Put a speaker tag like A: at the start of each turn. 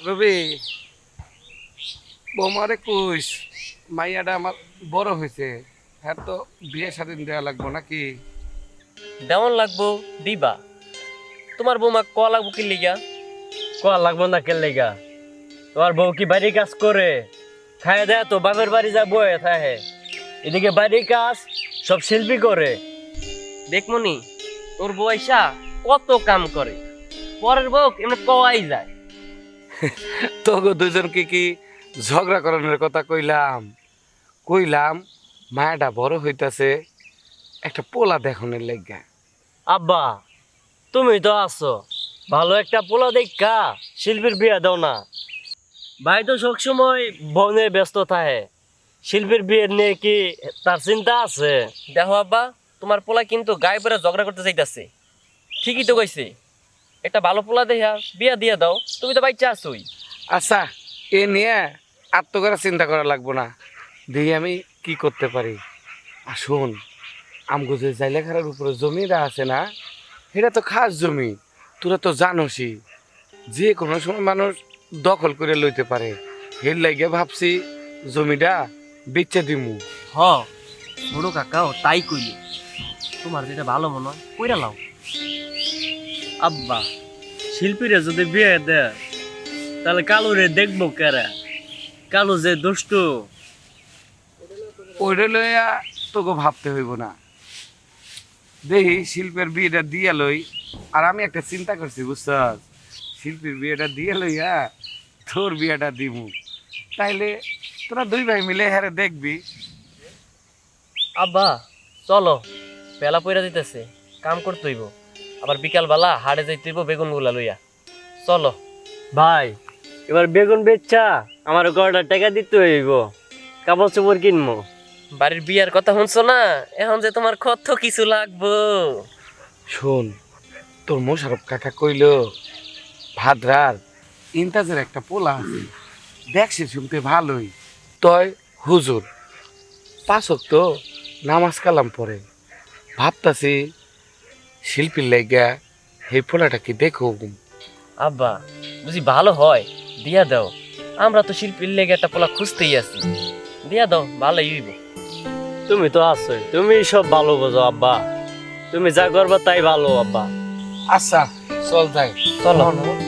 A: রবি বৌমারে কইস মাইয়াটা আমার বড় হয়েছে, হ্যাঁ তো বিয়ে স্বাধীন দেওয়া লাগবো নাকি?
B: দেওয়ান লাগবো, দিবা। তোমার বৌমা ক লাগবো কি লিগা?
C: কোয়া লাগবো না কে লেগা? তোমার বউ কি বাড়ির কাজ করে? খায় দেয় তো বাপের বাড়ি যা বয়ে থাকে। এদিকে বাড়ির কাজ সব শিল্পী করে।
B: দেখমনি তোর বউ আইসা কত কাম করে, পরের বউ এমনি কওয়াই যায়।
A: তোকে দুজনকে কি ঝগড়া করানোর কথা কইলাম? কইলাম মায়াটা বড় হইতাছে, একটা পোলা দেখনের লেগা।
C: আব্বা তুমি তো আছো, ভালো একটা পোলা দেখা শিল্পীর বিয়ে দাও না। ভাই তো সবসময় বনে ব্যস্ত থাকে, শিল্পীর বিয়ে নিয়ে কি তার চিন্তা আছে?
B: দেখো আব্বা, তোমার পোলা কিন্তু গায়ে পরে ঝগড়া করতে চাইতাছে। ঠিকই তো কইছে, একটা ভালো পোলা দেখা বিয়া দিয়া দাও, তুমি তো বাচ্চা আছোই।
A: আচ্ছা, এ নিয়ে আত্মকরা চিন্তা করা লাগবো না, দেখি আমি কি করতে পারি। আর শোন, আমগো যে জাইলাখানার উপরে জমিটা আছে না, এটা তো খাস জমি, তোরা তো জানোসই, যে কোনো সময় মানুষ দখল করে লইতে পারে। এর লাগে ভাবছি জমিটা বেচে দিমু।
B: হ, ছোট কাকাও তাই কইল। তোমার যেটা ভালো মনে হয় কইরা লাও।
C: আব্বা শিল্পীরা যদি বিয়ে দেয় তাহলে কালুরে দেখবো কেরা? কালু যে দুষ্টু।
A: ওইটা লইয়া তোকে ভাবতে হইব না, দেখি শিল্পের বিয়েটা দিয়ে লই। আর আমি একটা চিন্তা করছি বুঝছ, শিল্পীর বিয়েটা দিয়ে লইয়া তোর বিয়েটা দিমু, তাইলে তোরা দুই ভাই মিলে হ্যারে দেখবি।
B: আব্বা চলো, বেলা পইরা দিতেছে, কাম করতে হইব। আবার বিকাল বেলা হাড়ে যাইতে হইব বেগুন গুলা লইয়া। চলো।
C: ভাই এবার বেগুন বেচা আমার গড়টা টাকা দিতে হইব, কাপড় চোপড় কিনবো।
B: বাড়ির বিয়ার কথা শুনছো না, এখন যে তোমার কত কিছু লাগবো।
A: শোন, তোর মোশারফ কাকা কইল ভাদ্রার ইন্তাজের একটা পোলা আছে, দেখছে শুনতে ভালোই, তয় হুজুর পাঁচক তো নামাজ কালাম পরে। ভাবতাছি শিল্পীর লাইগা এই পোলাটা কি দেখো।
B: আব্বা বুঝি ভালো হয়, দিয়া দাও। আমরা তো শিল্পীর লেগে একটা পোলা খুঁজতেই আছি, দিয়া দাও, ভালোই হইব।
C: তুমি তো আছো, তুমি সব ভালো বোঝো আব্বা, তুমি যা করবা তাই ভালো আব্বা।
A: আচ্ছা চল যাই।
B: চলো।